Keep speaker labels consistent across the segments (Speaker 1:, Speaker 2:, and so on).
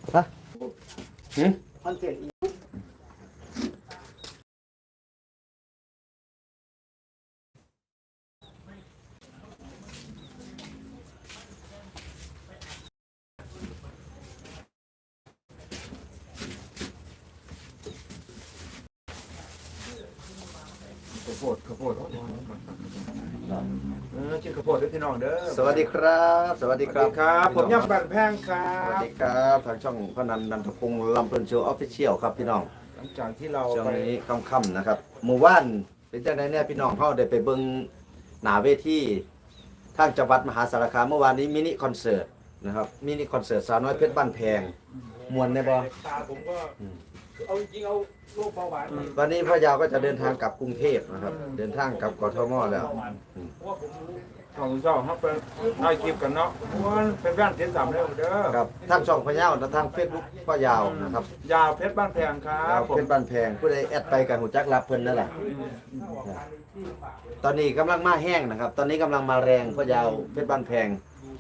Speaker 1: ฮะ
Speaker 2: คอนเทนต์
Speaker 3: ข้าวโพดกินข้าวโพดด้วยพี่น้องเด้อ
Speaker 1: สวัสดีครับ สวัสดีครับ
Speaker 3: ครับผมย่ำบันแพงครั
Speaker 1: สวัส
Speaker 3: บ
Speaker 1: ดีครับทางช่องพนันนันทพงศ์ลำเพลินโชว์ออฟฟิเชียลครับพี่น้อง
Speaker 3: หลังจากที่เรา
Speaker 1: ช่วง
Speaker 3: ไป
Speaker 1: นี้ค่ำๆนะครับหมู่บ้านเป็นจังไดเนี่ยพี่น้องเขาได้ไปเบิ่งหน้าเวทีทางจังหวัดมหาสารคามเมื่อวานนี้มินิคอนเสิร์ตนะครับมินิคอนเสิร์ตสาวน้อยเพชรบ้านแพงมวนได้บ่
Speaker 3: ตาผมก็เอาจริงเอาโรคเบาหวาน
Speaker 1: วันนี้พ่อยาวก็จะเดินทางกลับกรุงเทพนะครับเดินทางกลับกทมแล้ว
Speaker 3: เพราะว่าผมของเจ้าครับไปถ่ายคลิปกันเนาะเพราะว่าเป็นแว่นเทียนสามเด้อเด้อ
Speaker 1: ครับทางช่องพ่อยาวและทาง Facebook พ่อยาวนะครับ
Speaker 3: ยาวเพชรบ้านแพงครับผม
Speaker 1: เพชรบ้านแพงผู้ใดแอดไปกับหูจักรับเพิ่นนั่นแหละตอนนี้กำลังมาแห้งนะครับ ตอนนี้กำลังมาแรงพ่อยาวเพชรบ้านแพง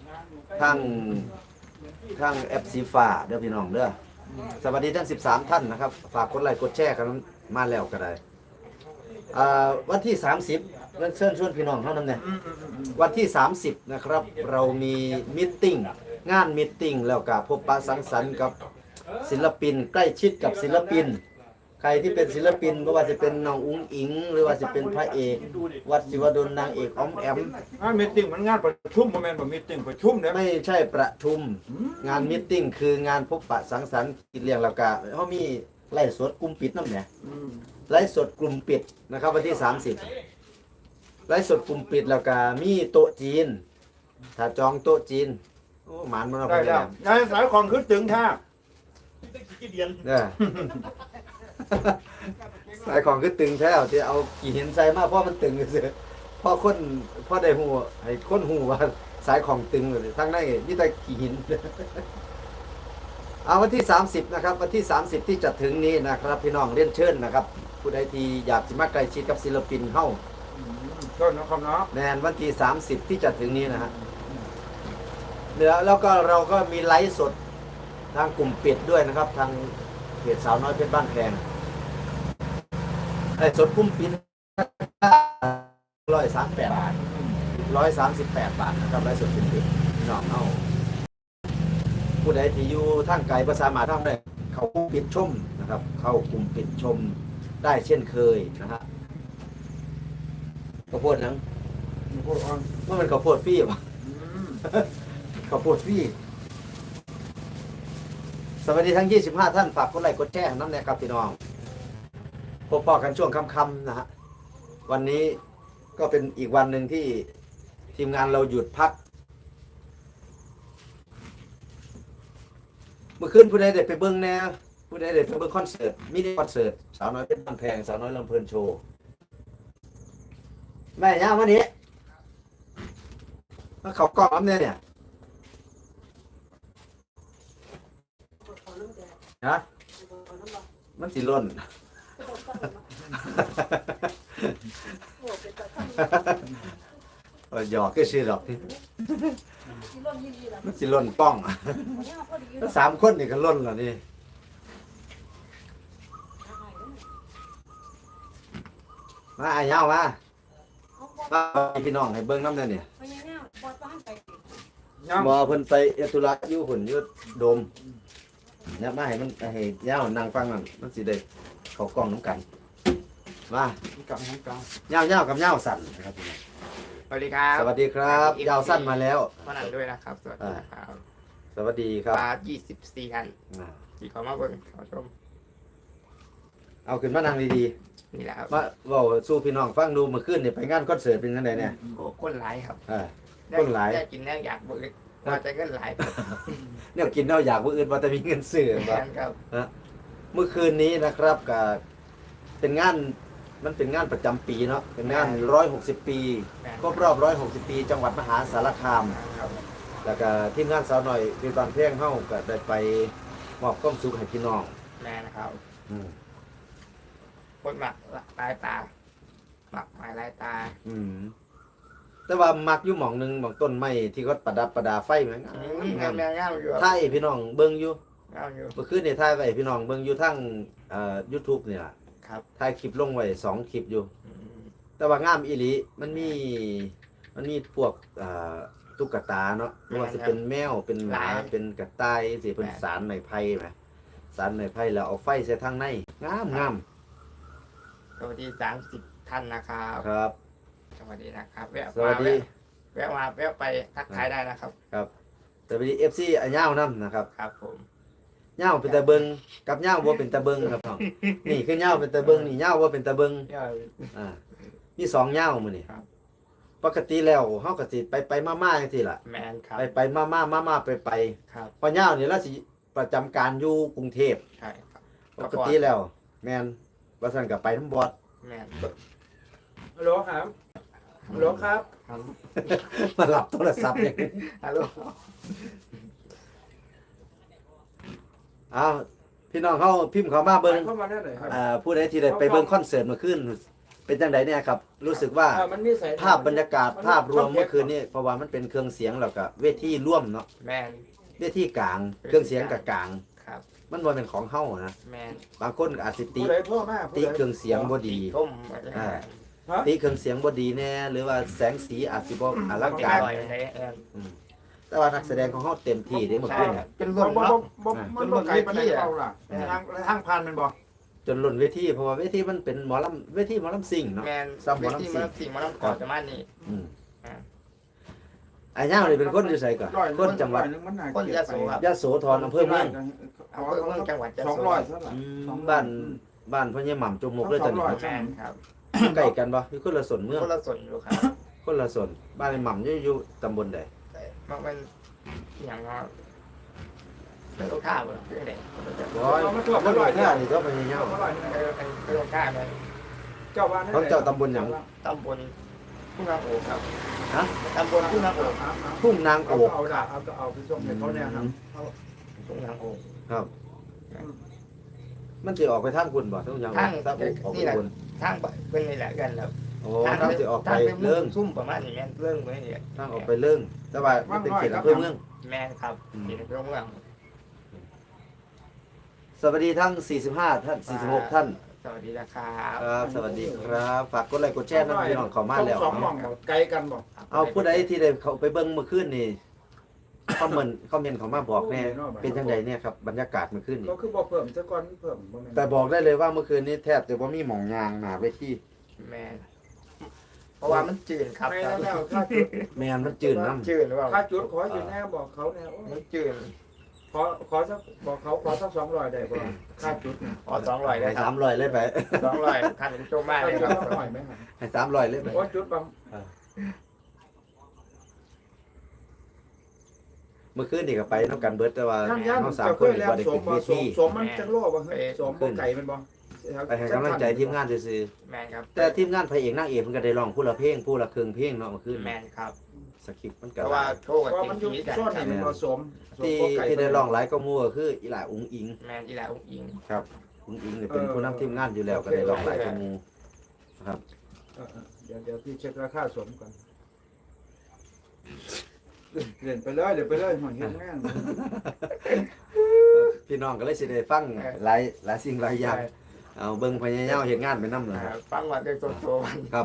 Speaker 1: ทั้งแอปสีฟ้าเด้อพี่น้องเด้อสวัสดีทั้ง13ท่านนะครับฝากกดไลค์กดแชร์กันมาแล้วก็ได้วันที่30เชิญชวนพี่น้องเท่านั้นเนี่ยวันที่30นะครับเรามีมิทติ้งงานมิทติ้งแล้วก็พบปะสังสรรค์กับศิลปินใกล้ชิดกับศิลปิน ใครที่เป็นศิลปินไม่ว่าจะเป็นน้องอุ้งอิง หรือว่าจะเป็นพระเอกวัดศิวดลนางเอกอ้อมแอม
Speaker 3: มีตติ้งมันงานประชุมโมเมนต์แบบมีตติ้งประชุมเด้อ
Speaker 1: ไม่ใช่ประชุมงานมิทติ้งคืองานพบปะสังสรรค์กินเลี้ยงแล้วก็เขามีไล่สดกลุ่มปิดน้ำเนี่ยไล่สดกลุ่มปิดนะครับวันที่30ไล่สดกลุ่มปิดแล้วก็มีโต๊ะจีน ถ้าจองโต๊ะจีนโอ้หมานมันเอา
Speaker 3: ได้
Speaker 1: ไป
Speaker 3: แล้วยายสายของขึ้นถึงท่า
Speaker 1: เนี่ย สายของคือตึงแท้ที่เอากี่หินใส่มาเพราะมันตึงเสียเพราะคนเพราะได้หูให้คนหูว่าสายของตึงเลยทั้งนั้นนี่แต่กี่หิน เอาวันที่30นะครับวันที่30ที่จะถึงนี้นะครับพี่น้องเรียนเชิญนะครับผู้ใดที่อยากสิมาใกล้ชิดกับศิลปินเฮา
Speaker 3: ต้นนะครับเนาะ
Speaker 1: แนนวันที่30ที่จะถึงนี้นะฮะเหลือแล้วก็เราก็มีไลฟ์สดทางกลุ่มปิดด้วยนะครับทางเพจสาวน้อยเพชรบ้านแพงไอ้สดกลุ่มปิด138 บาท138 บาทนะครับไลฟ์สดกลุ่มปิดพี่น้องเอาผู้ใดที่อยู่ทางไกลภาษามาทางได้เขากลุ่มปิดชมนะครับ เข้ากลุ่มปิดชมได้เช่นเคยนะฮะข้าวโพดนัง
Speaker 3: พูดอ่อน
Speaker 1: ว่ามันข้าวโพดฟรีป่ะ ข้าวโพดฟรีสวัสดีทั้ง25ท่านฝากกดไลค์กดแชร์น้ำแน่ครับพี่น้องพบปะกันช่วงค่ำๆนะฮะวันนี้ก็เป็นอีกวันหนึ่งที่ทีมงานเราหยุดพักเมื่อคืนผู้ใดเด็ดไปเบิ้งแน่ผู้ใดเด็ดไปเบิ้งคอนเสิร์ตมินิคอนเสิร์ตสาวน้อยเพชรบ้านแพงสาวน้อยลำเพลินโชว์แม่ย่าวันนี้มาเขากล้องน้ำเนี่ยฮะมันสิล่น หยอกก็ชื่อหรอกมันสิล่นป้องแล้ว3 คนนี่ก็ล่นแล้วนี่มาไอ้เย้ามาพี่น้องให้เบิ่งน้ำเนี่ยนี่
Speaker 3: ยัง
Speaker 1: บ่เพิ่นไปเอตุระอยู่หุ่นอยู่โดมเนี่ยมาให้มันให้เย้านั่งฟังนั่นมันสิได้เข้ากล้องน้ำกันมา
Speaker 3: กับน้องกลาง
Speaker 1: เย้ากับเย้าสั่นนะครับพี่น้อง
Speaker 2: สวัสดีครับ
Speaker 1: สวัสดีครับเย้าสั้นมาแล้ว
Speaker 2: พ่อนันด้วยนะครับ สวัสดีครับ
Speaker 1: สวัสดีครับ
Speaker 2: ปลา24อัน
Speaker 1: อ่า
Speaker 2: ที่เขามาเบิ่งเขาชม
Speaker 1: เอาขึ้นมานั่งดี
Speaker 2: นี่แหละครับ
Speaker 1: ๆมาเว้าสู้พี่น้องฟังดูเมื่อคืนนี่ไปงานคอนเสิร์ตเป็นจังไดเนี่ย
Speaker 2: โอ้คนหลายครับ
Speaker 1: คนหลาย
Speaker 2: ได้กินแน่อยากเบิ่งว่าจะเงินหลายครับ
Speaker 1: เนี่ยกินเนาอยากบ่อื่นว่าแต่มีเงินซื้อบ่
Speaker 2: ครับ
Speaker 1: เมื่อคืนนี้นะครับก็เป็นงานมันเป็นงานประจำปีเนาะเป็นงาน160 ปีครบรอบ160 ปี จังหวัดมหาสารคาม
Speaker 2: ครับ
Speaker 1: แล้วก็ทีมงานสาวหน่อยเป็นตอนเพลงเฮาก็ได้ไปมอบความสุขให้พี่น้อง
Speaker 2: แม่นะครับ
Speaker 1: อืม
Speaker 2: คนหมักลายตาหมักหมายลายตา
Speaker 1: อืมแต่ว่ามักอยู่หม่องหนึงหม่องต้นไม้ที่เขาประดับประดาไฟแม่ง
Speaker 2: แม่งามอยู่
Speaker 1: ไทยพี่น้องเบิ่งอยู่
Speaker 2: แม่เอาอยู่
Speaker 1: เมื่อคืนนี่ถ่ายไว้พี่น้องเบิ่งอยู่ทั้งYouTube นี่ล่ะ
Speaker 2: ครับ
Speaker 1: ถ่ายคลิปลงไว้2คลิปอยู่
Speaker 2: อืม
Speaker 1: แต่ว่างามอีหลีมันมีพวกตุ๊กตาเนาะไม่ว่าสิเป็นแมวเป็นหมาเป็นกระต่ายสิเป็นสารไม้ไผ่แหมสารไม้ไผ่แล้วเอาไฟใส่ทางในงาม
Speaker 2: สวัสดี30ท่านนะครับ
Speaker 1: ครับ
Speaker 2: สวัสดีนะครับ
Speaker 1: สวัสดี
Speaker 2: แวะมาแวะไปทักทายได้นะครับ
Speaker 1: ครับสวัสดี FC อันยาวนํนะครับ
Speaker 2: ครับผม
Speaker 1: ยาวเป็นตะเบิงกับยาวบ่เป็นตะเบิงครับน้องนี่คือยาวเป็นตะเบิงนี่ยาวบ่เป็นตะเบิง
Speaker 2: เดี๋ยว
Speaker 1: อ่ามี2ยาวมื้อนี่
Speaker 2: ครับ
Speaker 1: ปกติแล้วเฮาก็สิไปมาๆจังซี่ล่ะ
Speaker 2: แมนครับ
Speaker 1: ไปมาไป
Speaker 2: ครับ
Speaker 1: พอยาวนี่เราสิประจำการอยู่กรุงเทพ
Speaker 2: ใช่ครับ
Speaker 1: ปกติแล้ว แม่นว่าซั่นก็ไปน้ำบอด
Speaker 2: แมน
Speaker 3: ฮัลโหลครับฮัลโหลครับ
Speaker 2: ครับ
Speaker 1: มารับโทรศัพท์อย่างนี้
Speaker 2: ฮัลโหล
Speaker 1: อ้าวพี่น้องเขาพิมพ์เขามาเบิ่ง
Speaker 3: เข้ามาได้เลยครับ
Speaker 1: ผู้ใดที่ได้ไปเบิ่งคอนเสิร์ตเมื่อคืนเป็นจังไดเนี่ยครับ รู้สึกว่า
Speaker 3: มันมีสาย
Speaker 1: ภาพบรรยากาศภาพรวมเมื่อคืนนี้เพราะว่ามันเป็นเครื่องเสียงแล้วก็เวทีร่วมเนาะ
Speaker 2: แมน
Speaker 1: เวทีกลาง เครื่องเสียงกับกลาง
Speaker 2: ครับ
Speaker 1: มันบ่เป็นของเฮานะ
Speaker 2: แมน
Speaker 1: บางคนอาจสิติ
Speaker 3: ผู้ใดโทรมา
Speaker 1: ติเครื่องเสียงบ่ดี
Speaker 2: ส้ม
Speaker 1: อ่า ติเครื่องเสียงบ่ดีแน่หรือว่าแสงสีอาจสิบ่อลัง
Speaker 2: เด็ก
Speaker 1: การ
Speaker 2: ลอยในแอน
Speaker 1: แต่ว่านักแสดงของเฮาเต็มที่เด้เมื่อคืนเนี่ย
Speaker 2: เป็น
Speaker 3: บ่
Speaker 2: รุ่น
Speaker 3: บ่
Speaker 2: เนาะ
Speaker 3: บ่มันบ่ไกลปานใดเปล่าล่ะทางผ่านมันบ่
Speaker 1: จนล้นเวทีเพราะว่าเวทีมันเป็นหมอลำเวทีหมอลำซิ่งเนาะ
Speaker 2: แมน
Speaker 1: ซ้ำหมอลำ
Speaker 2: ที่
Speaker 1: ซิ่ง
Speaker 2: มันสิ่งมันก่อนจะมานี่
Speaker 1: อืม
Speaker 2: อ่า
Speaker 1: ไอ้ย่าวนี่เป็นคนอยู่ไสก่อนคนจังหวัด
Speaker 2: คนยะโสครับ
Speaker 1: ยะโสธรอำเภอเมือง
Speaker 2: อำเภอเมืองจังหวัดยะโส
Speaker 3: 200เท่าไหร่
Speaker 1: บ้านพ่อใหญ่หม่ำจมมุกเลยตอนนี้
Speaker 3: 200
Speaker 2: แมนครับ
Speaker 1: ใกล้กันบ่อยู่คนละส่วนเมือง
Speaker 2: คนละส่วนอยู่ครับ
Speaker 1: คนละส่วนบ้านไอ้หม่ำอยู่ตำบลใด
Speaker 2: มันเป็นอย่างว่าเป็นลูกค้าเหรอเรื่องไหน
Speaker 1: ร้อยมันร้อยแท้นี่ก็พ่อใหญ่ย่าว
Speaker 2: เป็นลูกค้าเลย
Speaker 3: เจ้าบ้าน
Speaker 1: ของเจ้าตำบลหยัง
Speaker 2: ตำบลทุ่งนางโอกครับ
Speaker 1: ฮะ
Speaker 2: ตำบลทุ่งนางโอก
Speaker 1: ทุ่งนางโอก
Speaker 3: เอาไปส่งให้เขาเนี่ยครับ
Speaker 2: ทุ่งนางโอก
Speaker 1: ครับ มันสิออกไปทางคุณบ่ทุ่งนางโอกทางออกไปคุณ
Speaker 2: ทางเป็นนี่แหละกันครับ
Speaker 1: โอ้ทางสิออกไป
Speaker 2: เรื่
Speaker 1: เรื่อง
Speaker 2: ซุ่มประมาณนี้แม่นเรื่องไว้นี่
Speaker 1: ทางออกไปเรื่องแต่ว่ามันเป็นเขตอำเภอเมือง
Speaker 2: แม่นครับที่ในเมือง
Speaker 1: สวัสดีทั้ง 45 ท่าน 46 ท่าน
Speaker 2: สวัสดีนะครับ
Speaker 1: ครับ สวัสดีครับ ฝากกดไลค์กดแชร์นะพี่น้องเข้ามาแล้ว
Speaker 3: สองหม่องไกลกันบ่
Speaker 1: เอาผู้ใดที่ได้เขาไปเบิ่งเมื่อคืนนี่คอมเมนต์เขามาบอกแน่เป็นจังไดเนี่ยครับบรรยากาศเมื่อคืนนี่
Speaker 3: ก็คือบ่เพิ่มซะก่อนเพิ่มบ่แม่น
Speaker 1: แต่บอกได้เลยว่าเมื่อคืนนี้แทบจะบ่มีหม่องยางหน้าเวที
Speaker 2: แม่นเพราะว่ามันจืดครับ
Speaker 3: ไม่แล้วค่าจุด
Speaker 1: แม่นมันจืดน้ำ
Speaker 2: จืดหรือเปล่า
Speaker 3: ค่าจุดขออยู่แน่บอกเขาแน่
Speaker 2: มันจืด
Speaker 3: ขอสักบอกเขาขอสัก200ได้บ่ค่าจุด
Speaker 2: อ๋อ200
Speaker 1: ให้
Speaker 2: เลยครับ
Speaker 1: 300เลยไป
Speaker 2: 200ท่านโจมมากเลยครับ
Speaker 3: หน่อยไหมครับ
Speaker 1: ให้300เลยไป
Speaker 3: ว่าจุดบาง
Speaker 1: เมื่อคืนนี่ก็ไปนำกันเบิดแต่ว่า
Speaker 3: ท่านย่าน
Speaker 1: เฮา
Speaker 3: จะ
Speaker 1: 3
Speaker 3: เค
Speaker 1: คน
Speaker 3: ย
Speaker 1: นี่
Speaker 3: แล้ว
Speaker 1: บ่ได้
Speaker 3: ส
Speaker 1: ขึ้
Speaker 3: ม
Speaker 1: น
Speaker 3: บ่
Speaker 1: เว
Speaker 3: สม
Speaker 1: ที
Speaker 3: สมมันจังโลบ่เฮ้ยสมบ่ไก่มันบ่
Speaker 1: ไปให้กำลังใจทีมงานซื่อ
Speaker 2: แม่นครับ
Speaker 1: ๆแต่ทีมงานพระเอกนางเอกเพิ่นก็ได้ร้องผู้ละเพลงผู้ละครึ่งเพลงเนาะเมื่อคืน
Speaker 2: แม่นครับ
Speaker 1: สคริปต์มัน
Speaker 2: เพ
Speaker 1: ก็
Speaker 2: ราะว่าโชว์กับ
Speaker 3: เพราะ
Speaker 2: จริ
Speaker 3: มัน
Speaker 2: ง
Speaker 3: อยู่
Speaker 2: ชีวิตกัน
Speaker 3: ซ่อนนี่มันบ่สม
Speaker 1: ที่ที่ได้ร้องหลายก็มั่วคืออีหลาอุ๋งอิง
Speaker 2: แม่นอีหลาอุ้งอิง
Speaker 1: ครับอุ๋งอิงเนี่ยเป็นผู้นำทีมงานอยู่แล้วก็ได้ร้องหลายก็มูครับ
Speaker 3: เดี๋ยวพี่เช็คราคาสมก่อนเล่นไปเลยเดี๋ยวไปเลยหอยเฮ็ดงาน
Speaker 1: พี่น้องก็เลยสิได้ฟังหลายสิ่งหลายอย่างเอาเบิ่งพญายามเฮ็ดงานไปนำล่ะ
Speaker 2: ฟังว่าได้โตๆมัน
Speaker 1: ครับ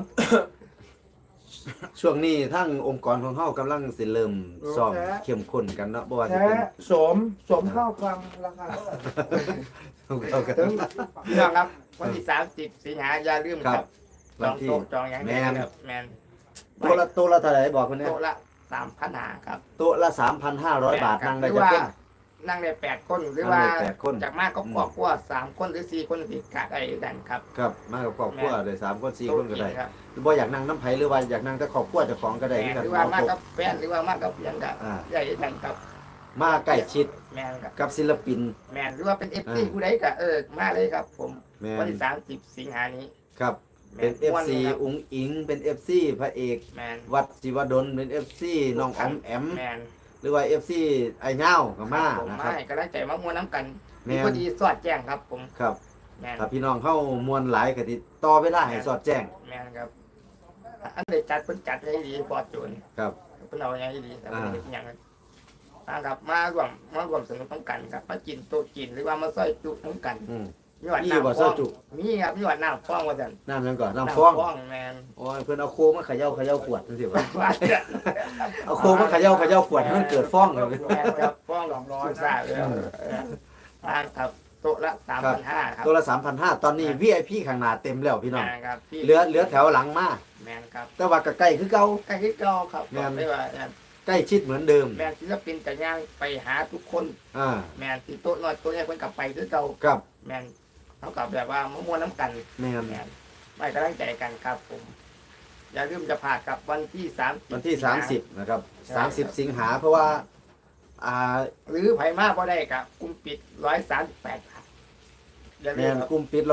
Speaker 1: ช่วงนี้ทั้งองค์กรของเฮากำลังสิเริ่มซ้อมเข้มข้นกันเนาะบ่ว่าสิ
Speaker 3: แท้
Speaker 1: เป็น
Speaker 3: สมข้าวฟังราคาเท่าไหร่
Speaker 1: เอากัน
Speaker 2: ถึงพี่น้องครับวันที่30สิงหาอย่าลืมครับจ
Speaker 1: วัน
Speaker 2: อง
Speaker 1: ที่
Speaker 2: โต๊ะจองอย่างนี้ครับแม่น
Speaker 1: ตัวละเท่าไหร่บอกเพิ่นเนี่ย
Speaker 2: โต๊ะละ3,500ครับ
Speaker 1: โต๊ะละ 3,500 บาทนั่งได้จักคน
Speaker 2: นั่งได้8คนหรือว่า
Speaker 1: นั่งได้8คน
Speaker 2: จากมากก็ครอบครัว3คนหรือ4คนสิกะได้กันครับ
Speaker 1: ครับมากับครอบครัวได้3คน4คนก็ได้
Speaker 2: ครับ
Speaker 1: บ่อยากนั่งน้ำไผหรือว่าอยากนั่งแต่ครอบครัวเจ้าของก็ได้
Speaker 2: แม่
Speaker 1: คือกัน
Speaker 2: หรือว่า
Speaker 1: เอา
Speaker 2: มาก
Speaker 1: โต๊ะ
Speaker 2: กับแฟนหรือว่ามากกับยังกับ
Speaker 1: อ่า
Speaker 2: ใหญ่กันครับ
Speaker 1: มาใกล้ชิด
Speaker 2: แม่นครับ
Speaker 1: กับศิลปิน
Speaker 2: แม่นหรือว่าเป็น FC ผู้ใดก็มาเลยครับ ผม
Speaker 1: แม่
Speaker 2: วัน
Speaker 1: น
Speaker 2: ที่30สิงหานี้
Speaker 1: ครับเป็น
Speaker 2: แม่ม่ว
Speaker 1: FC
Speaker 2: ครับ
Speaker 1: อุ๋งอิงเป็น FC พระเอก
Speaker 2: แม่น
Speaker 1: วัดศิวดลเป็น FC น้องออมแอม
Speaker 2: แม่น
Speaker 1: หรือว่า FC ไอ้เง่าก็มา
Speaker 2: ผม
Speaker 1: นะครับ
Speaker 2: ไม่ก็ได้ใจมามวนน้ำกัน
Speaker 1: แม่
Speaker 2: มี
Speaker 1: น
Speaker 2: พอดีสอดแจ้งครับ ผม
Speaker 1: ครับ
Speaker 2: แม่น
Speaker 1: ถ้าพี่น้องเข้ามวลหลายก็ติดต่อเวลาให้สอดแจ้ง
Speaker 2: แม่นครับอันใดจัดเพิ่นจัดให้ดีปลอดโจร
Speaker 1: ครับ
Speaker 2: เพิ่นเอาอย่างให้ดีแต่เพิ่นเฮ็ดหยังนะครับมารวมสนุกต้องกันครับมากินโต๊ะกินหรือว่ามาซอยจุต้องกัน
Speaker 1: อืม
Speaker 2: มีหวาน
Speaker 1: มี
Speaker 2: น้ำ
Speaker 1: บ่
Speaker 2: ฟ้
Speaker 1: ซ
Speaker 2: อ
Speaker 1: อย
Speaker 2: ง
Speaker 1: จุ
Speaker 2: มีครับมีหวานน้ำฟ้องว่าจัน
Speaker 1: น้ำยังก่อนน้ำฟอง
Speaker 2: แมน
Speaker 1: โอ้ยเพิ่นเอาโค้งมาเขย่าขวดจังซี่วะ
Speaker 2: ว่าจะ
Speaker 1: เอาโค้งมาเขย่าขวดให้มันเกิดฟองครับ
Speaker 2: แมนครับฟ้องสุดซ่าเลยทานครับโต๊ะละ3,500ครับ
Speaker 1: ตัวละ3,500ตอนนี้ VIP ข้างหน้าเต็มแล้วพี่น้อง
Speaker 2: แมนครับพี่
Speaker 1: เหลือแถวหลังมา
Speaker 2: แมนครับ
Speaker 1: แต่ว่าก็ใกล้คือเก่า
Speaker 2: ใกล้ที่เก่าครับ
Speaker 1: แม่น
Speaker 2: ไม่ว่า
Speaker 1: ใกล้ชิดเหมือนเดิม
Speaker 2: แมนศิลปินกับย่างไปหาทุกคน
Speaker 1: อ่า
Speaker 2: แมนที่โต๊ะน้อยโต๊ะใหญ่เพิ่นกลับไปคือเก่า
Speaker 1: กับ
Speaker 2: แมนเขากับแบบว่ามวนน้ำกัน
Speaker 1: แม่น
Speaker 2: แมนไม่กำลังใจกันครับผม อย่าลืมจะผ่ากับวันที่30
Speaker 1: วันที่ 30 นะครับ 30 สิงหาเพราะว่า
Speaker 2: หรือไผมาบ่ได้กับกลุ่มปิด138 บาทอย่าลื
Speaker 1: แม่
Speaker 2: ม
Speaker 1: น
Speaker 2: ครับ
Speaker 1: กลุ่มปิด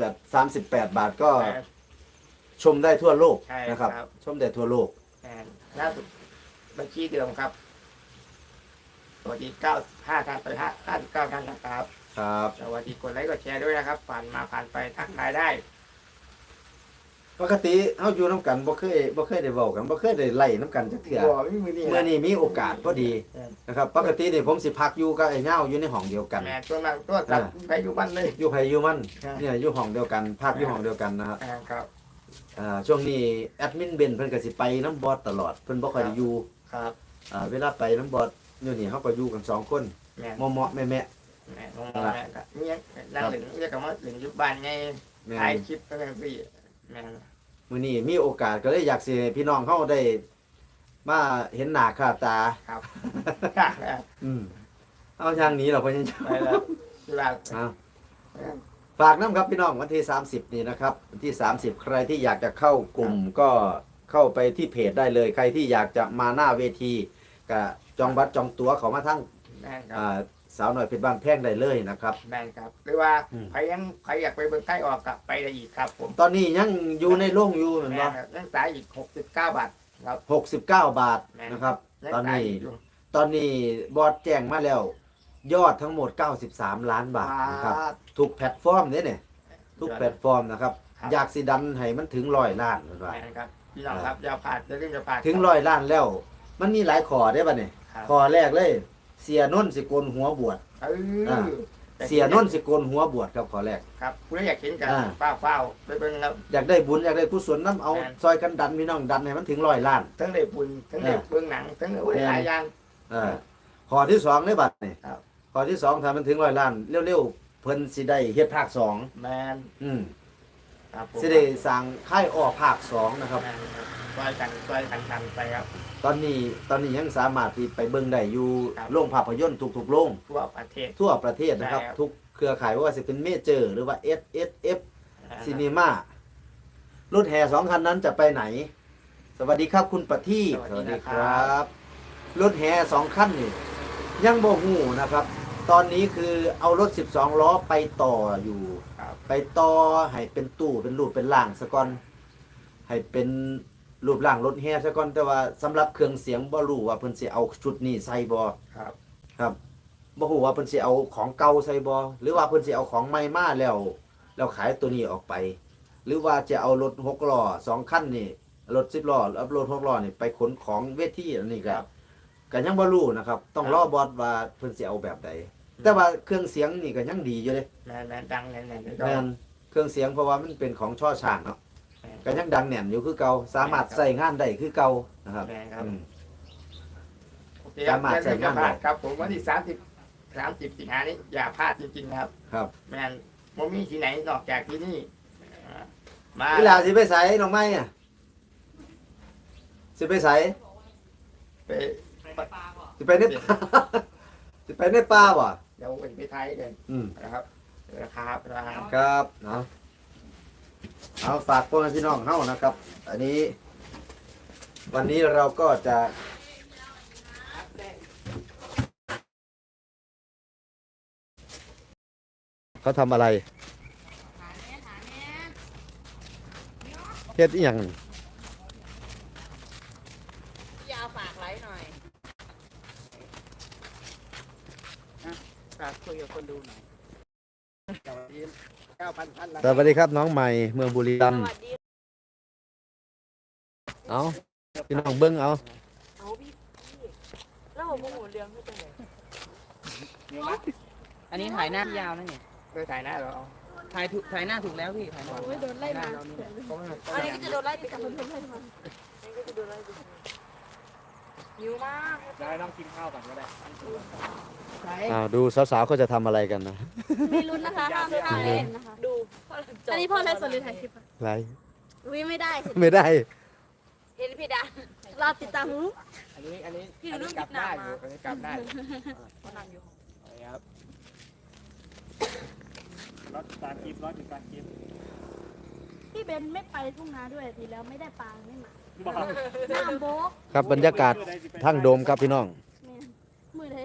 Speaker 1: 38 บาทก็
Speaker 2: แมน
Speaker 1: ชมได้ทั่วโลก
Speaker 2: ใช่
Speaker 1: นะครับ
Speaker 2: ครับ
Speaker 1: ชมได้ทั่วโลก
Speaker 2: แมนล่าสุดบัญชีเดิมครับสวัสดี95ท่านไป59ท่านนะครับ
Speaker 1: ครับ
Speaker 2: สวัสดีกดไลค์กดแชร์ด้วยนะครับผ่านมาผ่านไปทักทายได้
Speaker 1: ปกติเฮาอยู่น้ำกันบ่เคยได้เว้ากันบ่เคยได้ไล่น้ำกันจักเทื่อ
Speaker 2: บ่มีมือนี่
Speaker 1: เมื่อนี้มีโอกาสพอดีนะครับ ปกตินี่ผมสิพักอยู่กับไอ้เหง้าอยู่ในห้องเดียวกัน
Speaker 2: แม่ตัวนั้นตัวตัดไปอยู่บ้านเลย
Speaker 1: อยู่ไผอยู่มัน
Speaker 2: ครับ
Speaker 1: เนี่ยอยู่ห้องเดียวกันพักอยู่ห้องเดียวกันนะครับ
Speaker 2: ครับ
Speaker 1: ช่วงนี้แอดมินเบนเพิ่นก็สิไปน้ำบอสตลอดเพิ่นบ่ค่อยได้อยู่
Speaker 2: ครับ
Speaker 1: เวลาไปน้ำบอสอยู่นี่เฮาก็อยู่กันสองคน
Speaker 2: แม่
Speaker 1: เหมาะๆแม่
Speaker 2: แม่น้องแม่ก็เนี่ยนั่งหลิงเรียกกันว่าหลิงอยู่บ้านไง
Speaker 1: ๆแม่
Speaker 2: ถ่ายคลิปก็ยังสิแม่
Speaker 1: มื้อนี้มีโอกาสก็เลยอยากสิให้พี่น้องเฮาได้มาเห็นหน้าค่าตา
Speaker 2: ครับ
Speaker 1: อืมเอาทางนี้เหรอพ่อยัง
Speaker 2: ไปแล้วจุฬา
Speaker 1: เอาฝากน้ำครับพี่น้องวันที่ 30 นี่นะครับวันที่ 30 ใครที่อยากจะเข้ากลุ่มก็เข้าไปที่เพจได้เลย ใครที่อยากจะมาหน้าเวทีก็จองบัตรจองตั๋วเขามาทั้ง
Speaker 2: แม่ครับ
Speaker 1: สาวหน่อยเพชรบ้านแพงได้เลยนะครับ
Speaker 2: แม่ครับหรือว่าใครอยากไปเบิ่งใกล้ออกกับไปได้อีกครับผม
Speaker 1: ตอนนี้ยังอยู่ในโรงอยู่เหมือน
Speaker 2: แม่
Speaker 1: ว่า
Speaker 2: ยังสายอีก69 บาทครับ
Speaker 1: 69 บาท
Speaker 2: แม่
Speaker 1: นะครับ
Speaker 2: ยัง
Speaker 1: ตอน
Speaker 2: สาย
Speaker 1: นี้
Speaker 2: อีกอยู่
Speaker 1: ตอนนี้บอร์ดแจ้งมาแล้ว ยอดทั้งหมด 93 ล้านบาทนะครับทุกแพลตฟอร์มเนี่ยทุกแพลตฟอร์มนะครับ อยากสิดันให้มันถึง100 ล้านเหมือนว่า
Speaker 2: แม่ครับพี่น้องครับอย่าพลาดอย่าลืมอย่าพลาด
Speaker 1: ถึง100 ล้านแล้ว มันมีหลายข้อได้ป่ะเนี่ย
Speaker 2: ครับ
Speaker 1: ข้อแรกเลย เสียนนท์สิโกนหัวบวช เสียนนท์สิโกนหัวบวชครับข้อแรก
Speaker 2: ครับคุณอยากเห็นกัน
Speaker 1: อ่า
Speaker 2: เฝ้าไปเบิ่งครับ
Speaker 1: อยากได้บุญอยากได้กุศลน้ำเอา
Speaker 2: แม่น
Speaker 1: ซอยกันดันพี่น้องดันให้มันถึง100 ล้าน
Speaker 2: ทั้งได้บุญทั้งได้เบื้องหนังทั้งได้หลายอย่าง
Speaker 1: ข้อที่2ในบัตรนี่
Speaker 2: ครับ
Speaker 1: ข้อที่2ถ้ามันถึง100 ล้านเร็วๆเพิ่นสิได้เฮ็ดภาค2
Speaker 2: แมน
Speaker 1: อืม
Speaker 2: ครับผม
Speaker 1: สิได้สร้างค่ายอ้อภาค2นะครับ
Speaker 2: แมนครับช่วยกันทำไปครับ
Speaker 1: ตอนนี้ยังสามารถที่ไปเบิ่งได้อยู่
Speaker 2: ครับ
Speaker 1: โรงภาพยนตร์ทุกๆโรง
Speaker 2: ทั่วประเทศ
Speaker 1: ทั่วประเทศนะครับ
Speaker 2: ใช่ครับ
Speaker 1: ทุกเครือข่ายว่าจะเป็นเมเจอร์หรือว่า SSF ซีนีมารุ่นแห่2 คันนั้นจะไปไหน สวัสดีครับคุณประทีปสวัสดีครับรถแห่2 คันนี่ยังบ่ฮู้นะครับ ตอนนี้คือเอารถ12 ล้อไปต่ออยู่
Speaker 2: ครับ
Speaker 1: ไปต่อให้เป็นตู้เป็นรูปเป็นร่างซะก่อนให้เป็นรูปร่างรถแห่ซะก่อนแต่ว่าสำหรับเครื่องเสียงบ่รู้ว่าเพิ่นสิเอาชุดนี้ใส่บ่
Speaker 2: ครับ
Speaker 1: ครับบ่ฮู้ว่าเพิ่นสิเอาของเก่าใส่บ่หรือว่าเพิ่นสิเอาของใหม่มาแล้วขายตัวนี้ออกไป หรือว่าจะเอารถ6 ล้อ2 คันนี่รถ10 ล้อแล้วรถ6 ล้อนี่ไปขนของเวทีอันนี้ก็ยังบ่รู้นะครับ ต้องรอบอสว่าเพิ่นสิเอาแบบใดแต่ว่าเครื่องเสียงนี่ก็ยังดีอยู่เด้
Speaker 2: แมนดังแน่น
Speaker 1: แม่นเครื่องเสียงเพราะว่ามันเป็นของช่อช้างเนาะก็ยังดังแน่นอยู่คือเก่าสามารถใช้งานได้คือเก่านะครับ
Speaker 2: แมนครับ
Speaker 1: อืม
Speaker 2: โอเคครับ
Speaker 1: สามารถใช้งานได้
Speaker 2: ครับผมวันที่30 สิงหานี้อย่าพลาดจริงๆครับ
Speaker 1: ครับ
Speaker 2: แมนบ่มีที่ไหนนอกจากที่นี่มา
Speaker 1: เวลาสิไปไสน้องไม้อะสิไปไส
Speaker 2: ไป
Speaker 1: สิไปในป่า สิไปในป่าบ่
Speaker 2: เดี๋ยวไปไทยกัน
Speaker 1: อืม
Speaker 2: นะครับนะครับ
Speaker 1: ครับเอาฝากพวกพี่น้องเฮานะครับ อันนี้ วันนี้เราก็จะเขาทำอะไรเฮ็ดอีหยัง
Speaker 4: ยาวฝากไลฟ์หน่อยฝากคุยกับคนดูหน่อย
Speaker 2: สวัสดี9,000 ท่าน
Speaker 1: สวัสดีครับน้องใหม่เมืองบุรีรัม
Speaker 4: ส
Speaker 1: ย์
Speaker 4: วัสดี
Speaker 1: เอาพี่น้องเบิ้งเอา
Speaker 4: เอาพี่แล้วโมโหเรื่องไม่เป็นไร
Speaker 3: เดี๋ยวมา
Speaker 5: อันนี้ถ่ายหน้าพี่ยาวนะเนี่ย
Speaker 2: โดยถ่ายหน้าเราเอา
Speaker 5: ถ่ายหน้าถูกแล้วพี่ถ่ายหน้า
Speaker 6: โอ้ยโดนไล่มา
Speaker 4: อันนี้ก็จะโดนไล่ติด
Speaker 6: กับ
Speaker 4: กัน
Speaker 6: เพื่อนๆไล่มา
Speaker 4: อันนี้ก็จะโดนไล่ติดหิวมาก
Speaker 3: ได้ต้องกินข้าวก่อนก็ได้
Speaker 1: ดูสาวๆเขาจะทำอะไรกันนะ
Speaker 6: มีลุ้นนะคะห้ามเล่นนะคะ
Speaker 4: ดู
Speaker 6: อันนี้พ่อไล่สดหรือถ่ายคลิปอะ
Speaker 1: ไร
Speaker 6: อุ้ยไม่ได้
Speaker 1: ไม่ได้
Speaker 4: เห็นพี่ดา
Speaker 6: เราติดตามรู้
Speaker 2: อันนี้
Speaker 4: พี่ดู
Speaker 2: อัน
Speaker 4: รู
Speaker 2: นี้
Speaker 4: ป
Speaker 2: กลับ
Speaker 4: หน้า
Speaker 2: ได้อ
Speaker 4: มา
Speaker 2: ยู่อันนี้กลับได้อยู่
Speaker 4: เขานั่งอยู่
Speaker 2: ครับ
Speaker 3: รถการกินรถอยู่การกิน
Speaker 6: พี่เบนไม่ไปทุ่งนาด้วยทีแล้วไม่ได้ปลาไม่มา
Speaker 3: บอก
Speaker 6: น้ำโบ๊ก
Speaker 1: ครับบรรยากาศทั้งโดมครับพี่น้อง
Speaker 6: แม่มือเลย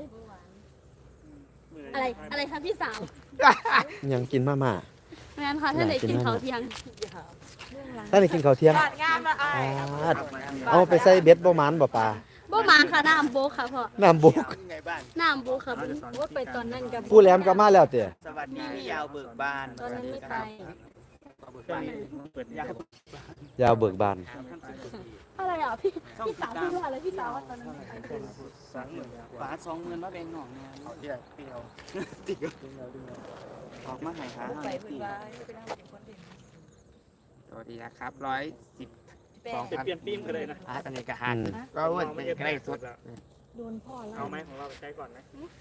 Speaker 6: อะไรคะพี่สาว
Speaker 1: ยังกินมาม่า
Speaker 6: แม่นค่ะท่านไหนกินเขาวเที่ยง
Speaker 1: ถ้าได้กินข้าวเที่ยง
Speaker 4: บ้านงามละอาย
Speaker 1: เอาไปใส่เบ็ดบ่หมันบ่ปลา
Speaker 6: บ่มาค่ะน้ำโบ๊กค่ะพ่อ
Speaker 1: น้ำบุก
Speaker 2: ไงบ้าน
Speaker 6: น้ำโบ๊กค่ะว่าไปตอนนั้นกับ
Speaker 1: ผู้แหลมก็มาแล้วเตะ
Speaker 5: สวัสดีพี่ยาวเบิกบาน
Speaker 6: ตอนนั้นไม่ไป
Speaker 3: เปิดยาว
Speaker 1: ยาวเบิกบาน
Speaker 6: อะไรอ่ะพี่สาวพูดว่าอะไรพี่สาวว่าตอนนั้นไม่ไปคือ
Speaker 5: ฝา20,000มาแบ่งหน่องเนี่ย
Speaker 2: เดี๋ยวพี่เอา
Speaker 5: ออกมาใหายหา
Speaker 4: ไป
Speaker 5: ให้
Speaker 4: พื้น
Speaker 5: พี่
Speaker 4: บ้านไปนั่งเป็นคนเด่น
Speaker 2: สวัสดีนะครับ110
Speaker 4: แป้
Speaker 2: สอง ง
Speaker 3: จะเปลี่ยนฟิล์มกันเลยนะ
Speaker 2: อันนี้ก็หันก็อ้วนเป็นใกล้สุด
Speaker 6: โดนพ่อไล่
Speaker 3: เอาไหมของเราไปใช้ก่อนไหม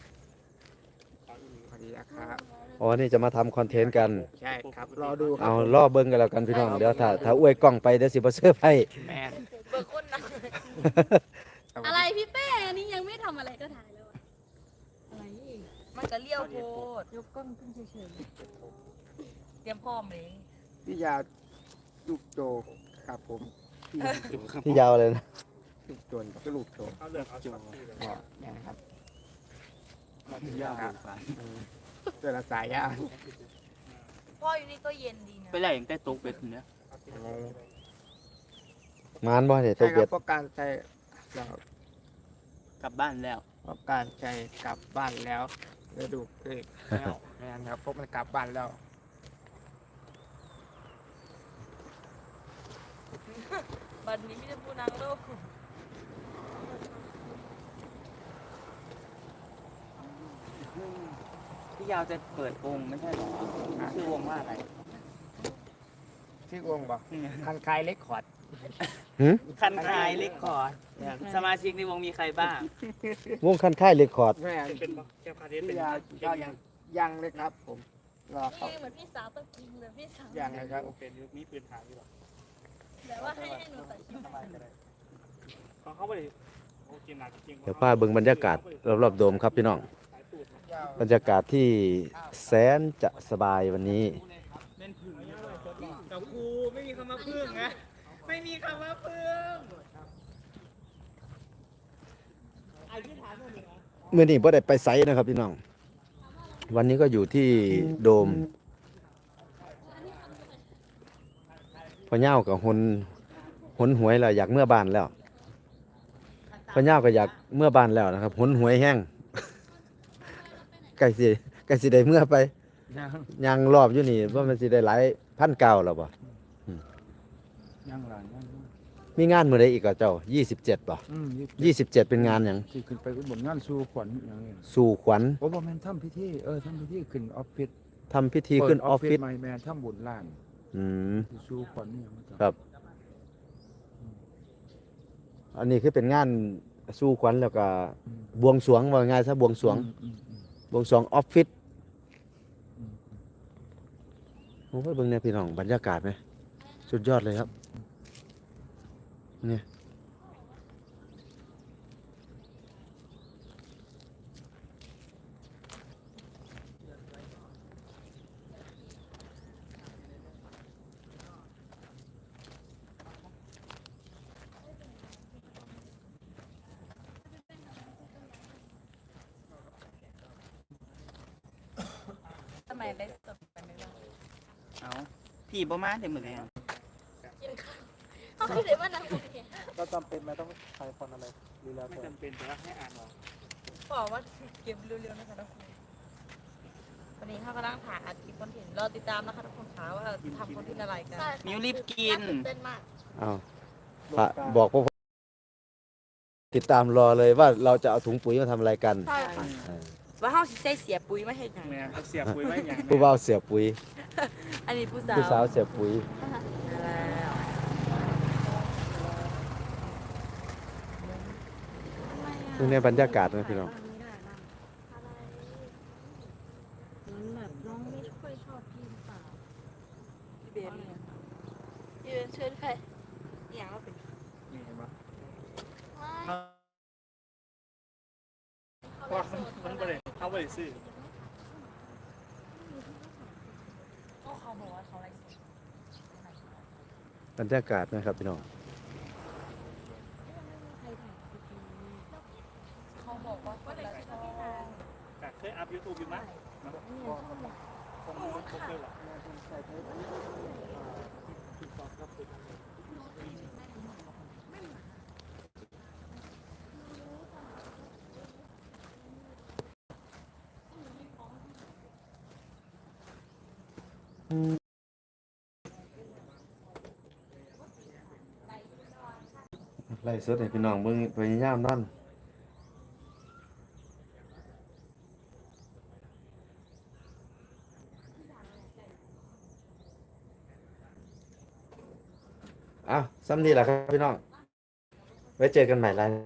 Speaker 2: สวัสดีนะครับ
Speaker 1: อ๋อนี่จะมาทำคอนเทนต์กัน
Speaker 2: ใช่ครับรอดูครั
Speaker 1: เอาล่อเบิ้งกันแล้วกันพี่น้องเดี๋ยวถ้าอวยกล้องไปเดี๋ยวสิบ่เสื้อร์ไพ่
Speaker 2: แม่
Speaker 4: เบิกคนนะ
Speaker 6: อะไรพี่เป้อันนี้ยังไม่ทำอะไรก็ถ่ายแล้วอะอะไร
Speaker 4: มันจะเลี้ยวโพด
Speaker 6: ยกกล้องขึ้นเฉย
Speaker 4: เตรียมพร้อมเลย
Speaker 2: พี่ยาลูกโจครับผม
Speaker 1: ที่ยาวเลยนะ
Speaker 2: ลูกโจนกับลูกโจ
Speaker 3: เอาเลือกเอาช็อตที่เลย
Speaker 2: บอกนะครับ
Speaker 5: พี่ยาวเบิกบาน
Speaker 2: เจอละสายยาว
Speaker 4: พ่ออยู่นี่ก็เย็นดีนะ
Speaker 5: ไปไล่อย่างแต่ตกเป็ดเนี่ย
Speaker 1: มานบ่เนี่ยตั
Speaker 2: ใช่
Speaker 1: ว
Speaker 2: ครั
Speaker 1: เบ็
Speaker 2: บ
Speaker 1: ด
Speaker 2: เพราะการใช้เรา
Speaker 5: กลับบ้านแล้ว
Speaker 2: เพราะการใช้กลับบ้านแล้วฤดูเอกแล้วแม่นครับพวกมันกลับบ้านแล้ว
Speaker 4: บัดนี้ไมแต่ได้พูดนางโลก
Speaker 5: พี่ยาวจะเปิดวงไม่ใช่หรอชื่อวงว่าอะไร
Speaker 2: ที่วงบอกคันคายเล็กขอด
Speaker 5: คันคายเล็กคอร์ดสมาชิกในวงมีใครบ้าง
Speaker 1: วงคันค่ายเรคคอร์ด
Speaker 2: แม่น
Speaker 3: เป็นแค่พาเทสเป็
Speaker 2: พี่
Speaker 3: น
Speaker 2: ยาก็ยังเลยครับผมรอ
Speaker 6: ๆ
Speaker 2: เขา
Speaker 6: นี่เหมือนพี่สาวต้องกินเลยพี่สาว
Speaker 2: ยังเลยครับ
Speaker 3: เป็นยุคนี้ปืนฐานอยู่หรอ
Speaker 6: แต่ว่าให้หนูตัดคลิป
Speaker 3: เขาเข้าไปโอเคหนักจริง
Speaker 1: เดี๋ยวป้าเบิ่งบรรยากาศรอบๆโดมครับพี่น้องบรรยากาศที่แสนจะสบายวันนี้
Speaker 5: เป็นผึ่งกับครูไม่มีคำว่าพึ่งนะไม่มีคำว่าพึ่ง
Speaker 1: เมื่อนี้บ่ได้ไปไสนะครับพี่น้อง วันนี้ก็อยู่ที่โดมพ่อเน่ากับหนหวยแล้วอยากเมื่อบ้านแล้วพ่อเน่าก็อยากเมื่อบ้านแล้วนะครับหนหวยแห้ง ใกล้สิได้เมื่อไปยังรอบอยู่นี่ว่ามันสิได้หลายพันเก่าแล้วบ่
Speaker 3: ยังหลานยัง
Speaker 1: มีงานมื้อใดอีกอ่ะเจ้า27บ่27เป็นงานหยัง
Speaker 3: ที่ขึ้นไปขึ้นบนงานสู่ขวัญอย่างนี้
Speaker 1: สู่ขวัญ
Speaker 3: โอ้บ่แม่นทำพิธีทำพิธีขึ้นออฟฟิศ
Speaker 1: ทำพิธีขึ้นออฟฟิศ
Speaker 3: ใหม่แม่นทำบุญล้าน
Speaker 1: อืม
Speaker 3: สู่ขวัญอย่างนี้
Speaker 1: ครับ อันนี้คือเป็นงานสู่ขวัญแล้วก็บวงสรวงว่าง่ายซะบวงสรวงบวงสรวงออฟฟิศโอ้ยเบิ่งเนี่ยพี่น้องบรรยากาศไหมสุดยอดเลยครับเนี่ย
Speaker 4: ทำไมได้สดไปไม่ได้
Speaker 5: เอาพี่บ่มาได้หมดเลย
Speaker 6: เขาคิดเลยว่านั่งโอเค
Speaker 3: ก็จำเป็นไหมต้องใช้ฟอนอะไรดูแลไม่จำเป็นแต่ว่าให้อ่านออก
Speaker 4: บอกว่าเก็บเร็วๆนะคะทุกคนวันนี้เขากำลังถ่ายอัดคลิปคอนเทนต์รอติดตามนะคะทุกคนคะว่าทำคอนเทนต์อะไรกัน
Speaker 5: มิวรีบกิน
Speaker 6: เต้นมาก
Speaker 1: เอาพระบอกพวกติดตามรอเลยว่าเราจะเอาถุงปุ๋ยมาทำอะไรกัน
Speaker 4: ใช่ค่ะว่าเฮาสิใส่เสียปุ๋ยมาเฮ็ดหยัง
Speaker 5: แม่เขาเสียปุ๋ยไว้อย่าง
Speaker 1: ผู้บ่าวเสียปุ๋ย
Speaker 4: อันนี้ผู้สาว
Speaker 1: ผู้สาวเสียปุ๋ย
Speaker 4: แล้ว
Speaker 1: ตรงนี้บรรยากาศนะพี่น้อง
Speaker 6: แบบน้องไม่ค่อยชอบพี่หรือเปล่า
Speaker 4: พี่เบนเนี่ย
Speaker 6: พี่เป็นเชิญใคร
Speaker 4: อหย่างเราเป็น
Speaker 5: นี่เห็นปะ
Speaker 6: ไม่
Speaker 5: เพราะมันบ่ได้เขาบ่ได้ซื้อ
Speaker 4: เขาบอกว่าเขาไลฟ์สด
Speaker 1: บรรยากาศนะครับพี่น้อง
Speaker 4: เขาบอกว่าคนละช่อง
Speaker 5: แต่เคยอัพ YouTube อยู่มั้ยนะคงเคยหรอก
Speaker 1: ไล่สดให้พี่น้องเบิ่งพยายามนั่นอ้าวซ้ำนี่แหละครับพี่น้อง ไว้เจอกันใหม่ไลฟ์